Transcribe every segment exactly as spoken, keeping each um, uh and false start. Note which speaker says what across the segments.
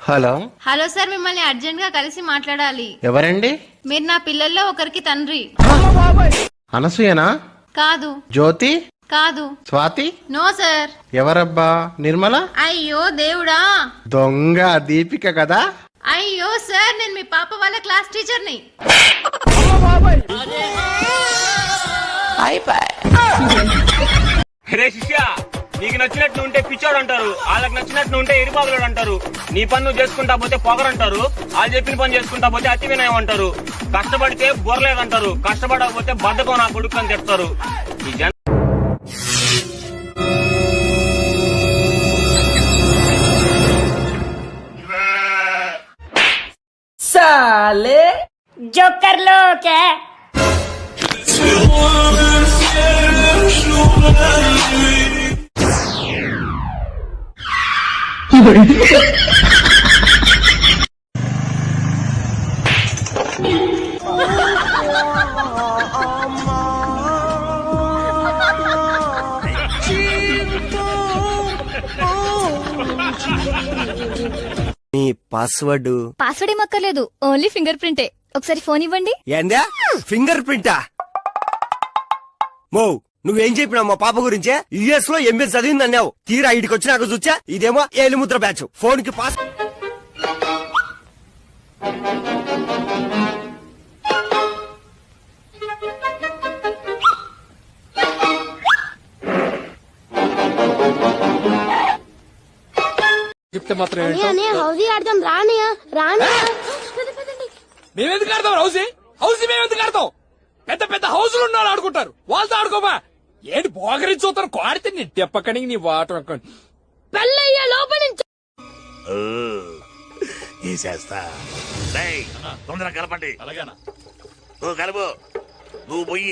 Speaker 1: Hello
Speaker 2: hello sir, మిమ్మల్ని urgent గా కలిసి మాట్లాడాలి.
Speaker 1: ఎవరండి?
Speaker 2: మీరు నా పిల్లల్లో ఒకరికి తండ్రి.
Speaker 1: అనసూయనా?
Speaker 2: కాదు.
Speaker 1: జ్యోతి?
Speaker 2: కాదు.
Speaker 1: స్వాతి?
Speaker 2: No sir.
Speaker 1: ఎవరబ్బా? నిర్మల?
Speaker 2: అయ్యో దేవుడా,
Speaker 1: దొంగ దీపిక కదా?
Speaker 2: అయ్యో సార్, నేను మీ పాప వాళ్ళ క్లాస్ టీచర్ని.
Speaker 3: రే శిష్య, నీకు నచ్చినట్టు ఉంటే పిచ్చోడు అంటారు, వాళ్ళకి నచ్చినట్టు ఉంటే ఎరిపాగులోడు అంటారు. నీ పని నువ్వు చేసుకుంటా పోతే పొగరంటారు, వాళ్ళు చెప్పిన పని చేసుకుంటా పోతే అతి వినయం అంటారు. కష్టపడితే బొరలేదంటారు, కష్టపడకపోతే బద్ధకం నా కొడుకు అని చెప్తారు. ఈ జన
Speaker 4: साले जो कर लो क्या
Speaker 5: నీ పాస్వర్డ్
Speaker 6: పాస్వర్డ్ ఏం అక్కర్లేదు, ఓన్లీ ఫింగర్ ప్రింటే. ఒకసారి ఫోన్ ఇవ్వండి.
Speaker 5: ఏందా ఫింగర్ ప్రింటా? మో నువ్వేం చెప్పినావు మా పాప గురించే? యుఎస్ లో ఎంబీఏ చదివింది అన్నావు, తీరా ఇడికి వచ్చినాక చూచా ఇదేమో ఏలిముద్ర బ్యాచ్. ఫోన్ కి పాస్
Speaker 7: చెప్తే మాత్రం
Speaker 8: హౌసీ ఆడతాం రానియ రానియ
Speaker 7: మేమెందుకు ఆడతాం? హౌసీ హౌసీ మేమెందుకు ఆడతాం? పెద్ద పెద్ద హౌసులు ఉన్నారు ఆడుకుంటారు, వాళ్ళతో ఆడుకోమా. ఏంటి బోగరి చూతారు కోడితే నీ తెప్పకనికి నీ వాటర్
Speaker 8: పెళ్ళయ్య లోపల నుంచి
Speaker 9: తీసేస్తా. తొందరగా కలపండి. అలాగేనా? ఓ కలుపు. నువ్వు పొయ్యి.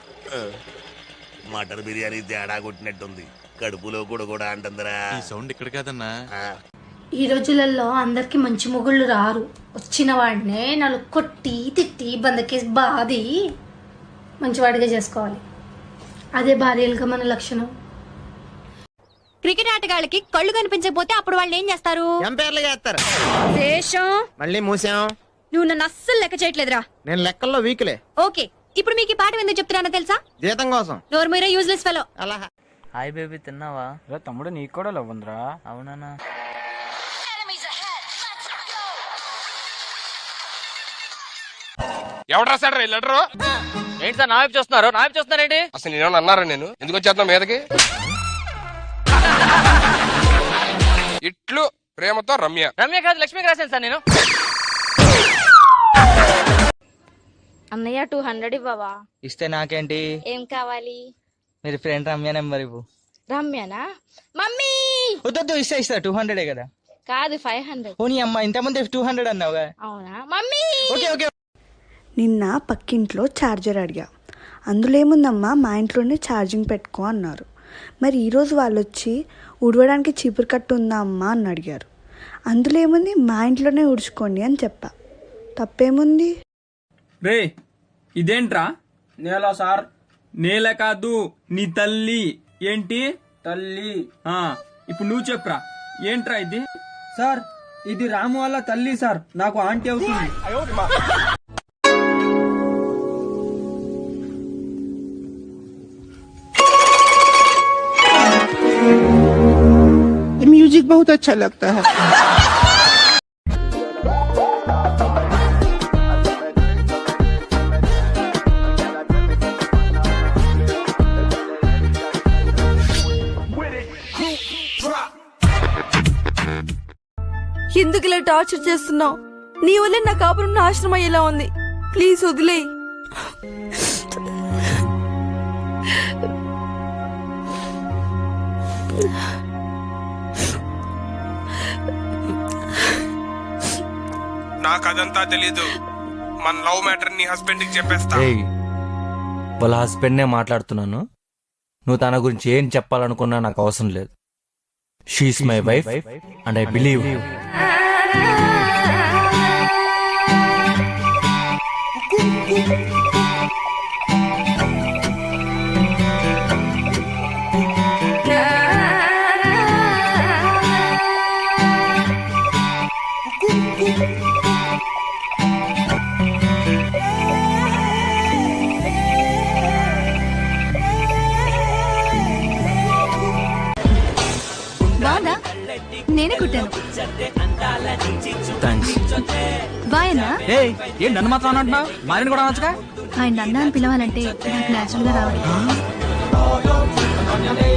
Speaker 9: మటన్ బిర్యానీ తేడా కొట్టినట్టుంది, కడుపులో కూడా కూడా అంటుందిరా.
Speaker 10: ఈ సౌండ్ ఇక్కడ కాదన్నా.
Speaker 8: ఈ రోజులలో అందరికి మంచి మొగుళ్ళు రారు. వచ్చిన వాడినే నాలుగు కొట్టి తిట్టి బందకేసి బాది మంచివాడిగా చేసుకోవాలి. అదే భార్యలుగా మన లక్షణం.
Speaker 6: క్రికెట్ ఆటగాళ్ళకి కళ్ళు కనిపించకపోతే అప్పుడు వాళ్ళు ఏం చేస్తారు?
Speaker 1: ఎంపైర్లు చేస్తారు.
Speaker 6: దేశం
Speaker 1: మళ్ళీ మూసాం.
Speaker 6: నువ్వు నన్ను అస్సలు లెక్క చేయట్లేదురా.
Speaker 1: నేను లెక్కల్లో వీక్లే.
Speaker 6: ఓకే, ఇప్పుడు మీకు ఈ పాఠం ఎందుకు చెప్తున్నానో తెలుసా?
Speaker 1: జీతం కోసం.
Speaker 6: నోరు మీరా యూజ్లెస్ ఫెలో.
Speaker 1: అలా
Speaker 3: హాయ్ బేబీ, తిన్నావా?
Speaker 7: తమ్ముడు నీకు కూడా లవ్ ఉందిరా.
Speaker 3: అవునా?
Speaker 7: ఎవడు రాశాడు ఈ లెటరు?
Speaker 3: ఏంటి సార్ నా వైపు చూస్తున్నారు? నా వైపు చూస్తున్నారేంటి?
Speaker 7: అసలు నేను అన్నారా? నేను ఎందుకు వచ్చేద్దాం మీదకి? ఇట్లు ప్రేమతో రమ్య.
Speaker 3: రమ్య కాదు, లక్ష్మికి రాశాను సార్ నేను.
Speaker 8: అన్నయ్య టూ హండ్రెడ్ ఇవ్వవా?
Speaker 3: ఇస్తే నాకేంటి?
Speaker 8: ఏం కావాలి?
Speaker 3: మీరు ఫ్రెండ్ రమ్య నెంబర్ ఇవ్వు.
Speaker 8: రమ్యనా? మమ్మీ
Speaker 3: వద్దు, ఇస్తా ఇస్తా. టూ హండ్రెడే కదా?
Speaker 8: కాదు, ఫైవ్ హండ్రెడ్.
Speaker 3: ఓ నీ అమ్మ, ఇంతమంది టూ హండ్రెడ్ అన్నావుగా.
Speaker 8: అవునా మమ్మీ?
Speaker 3: Okay okay.
Speaker 11: నిన్న పక్కింట్లో ఛార్జర్ అడిగా, అందులో ఏముందమ్మా మా ఇంట్లోనే ఛార్జింగ్ పెట్టుకో అన్నారు. మరి ఈరోజు వాళ్ళు వచ్చి ఉడవడానికి చీపురు కట్టు ఉందా అమ్మా అని అడిగారు. అందులో ఏముంది, మా ఇంట్లోనే ఉడుచుకోండి అని చెప్పా. తప్పేముంది?
Speaker 7: రే ఇదేంట్రా? నేల సార్. నేల కాదు, నీ తల్లి. ఏంటి తల్లి? ఆ ఇప్పుడు నువ్వు చెప్పురా, ఏంట్రా ఇది? సార్ ఇది రాము వాళ్ళ తల్లి సార్, నాకు ఆంటీ అవుతుంది.
Speaker 5: म्यूजिक बहुत अच्छा लगता है.
Speaker 11: ఎందుకు ఇలా టార్చర్ చేస్తున్నావు? నీ వల్లే నా కాపురం నాశనం అయ్యేలా ఉంది. ప్లీజ్ వదిలేయ్.
Speaker 7: నాకు అదంతా తెలీదు. మన లవ్ మ్యాటర్ నీ హస్బెండ్ కి చెప్పేస్తా.
Speaker 3: వాళ్ళ హస్బెండ్ నే మాట్లాడుతున్నాను. నువ్వు తన గురించి ఏం చెప్పాలనుకున్నా నాకు అవసరం లేదు. She is my wife and I believe.
Speaker 6: బాగుందా? నేనే కుట్టాను.
Speaker 7: థ్యాంక్స్.
Speaker 6: బాయన్నా?
Speaker 7: ఏం నన్ను మాత్రం అంటున్నావు? మారిని కూడా అనొచ్చుగా.
Speaker 6: ఆయన అన్న అని పిలవాలంటే నాకు నేచురల్ గా రావాలి.